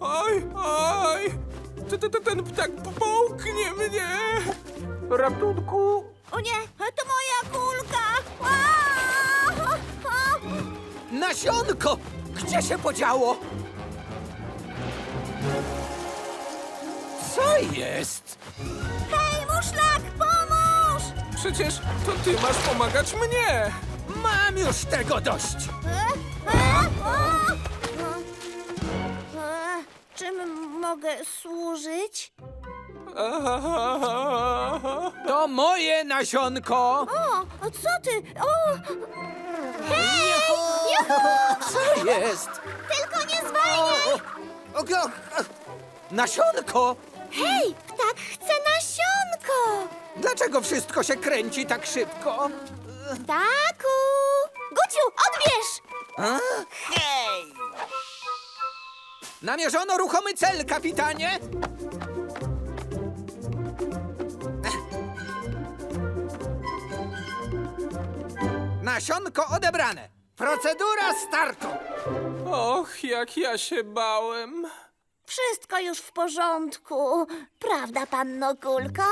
Oj, oj! Ten ptak połknie mnie! Ratunku! O nie, to moja kulka! Aaa! Nasionko! Gdzie się podziało? Co jest? Hej, muszlak, pomóż! Przecież to ty masz pomagać mnie! Mam już tego dość! Czym mogę służyć? To moje nasionko! O, co ty? O! Hej! Juhu! Co jest? Tylko nie zwalniaj! Nasionko! Hej, ptak chce nasionko! Dlaczego wszystko się kręci tak szybko? Ptaku! Guciu, odbierz! Hej! Namierzono ruchomy cel, kapitanie! Nasionko odebrane. Procedura startu. Och, jak ja się bałem. Wszystko już w porządku. Prawda, panno Kulko?